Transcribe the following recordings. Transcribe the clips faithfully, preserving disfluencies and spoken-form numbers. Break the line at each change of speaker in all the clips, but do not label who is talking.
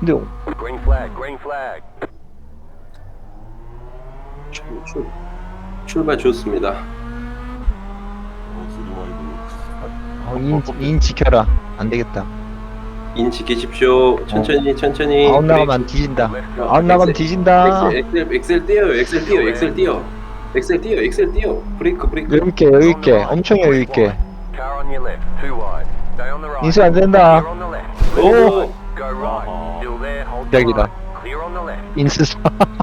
근데
Green flag, green flag.
출, 출, 출발 좋습니다.
어, 소리 많이 들려.
어, 인, 인 지켜라. 안 되겠다.
인 지키십시오. 천천히 천천히.
아웃 나가면 뒤진다.
Let's
어,
go.
아웃 나가면
엑셀,
뒤진다.
엑셀, 엑셀, 엑셀 뛰어요. 엑셀 뛰어. 엑셀 뛰어. 엑셀 뛰어. 엑셀 뛰어. 브레이크 브레이크.
여유 있게 여유 있게 엄청 여유 있게.
Car on your left, two wide. Stay on the right.
인수 안 된다.
Clear on the left.
오.
Go right.
아하.
Still there, hold the
대박이다.
line. Clear on the left.
인수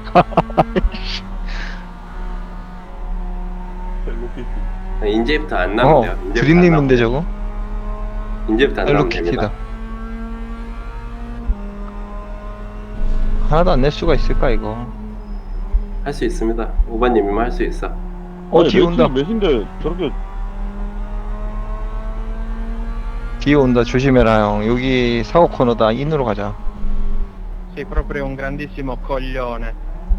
헬로키티.
인제부터 안
어
나면 돼요. 인제부터 안
드림님인데
나면-
저거
인제부터 안 나면 됩니다.
헬로키티다. 하나도 안 낼 수가 있을까 이거.
할 수 있습니다. 오바님이면 할 수 있어.
어 뒤에 온다.
몇인데 저렇게
뒤에 온다. 조심해라 형. 여기 사고 코너다. 인으로 가자.
Sei proprio un grandissimo coglione.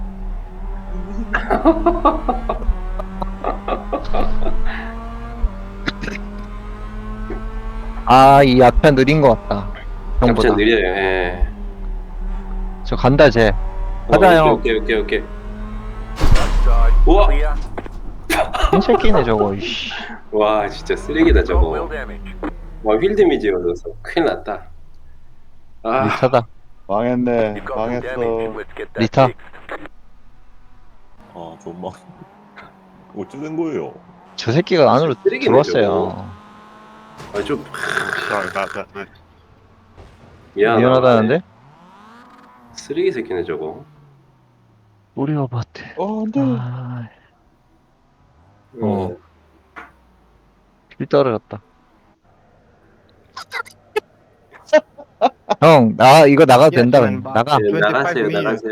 아 이 앞에 느린 것 같다. 형보다.
capture 느려요. 예.
저 간다 쟤. 가자
어,
형.
오케이 오케이 오케이.
Right side.
우와.
Clear.
한 새끼네 저거. 이씨.
와 진짜 쓰레기다
Got wheel
저거.
damage.
와 휠 데미지 얻어서 큰일 났다. 아
리타다.
망했네.
You've got some damage.
망했어.
Let's get that
리타.
fixed.
아, 좀 망. 어쩌된 거예요?
저 새끼가 안으로
쓰레기네,
들어왔어요.
아, 좀
Sorry about that, mate.
미안하다.
미안하다는데?
쓰레기 새끼네 저거.
우리 아파트.
어, 안 돼.
아,
어.
길 떨어졌다. 형, 나 이거 나가도 된다.
Yes, man,
나가.
예,
twenty-five
나가세요
million.
나가세요.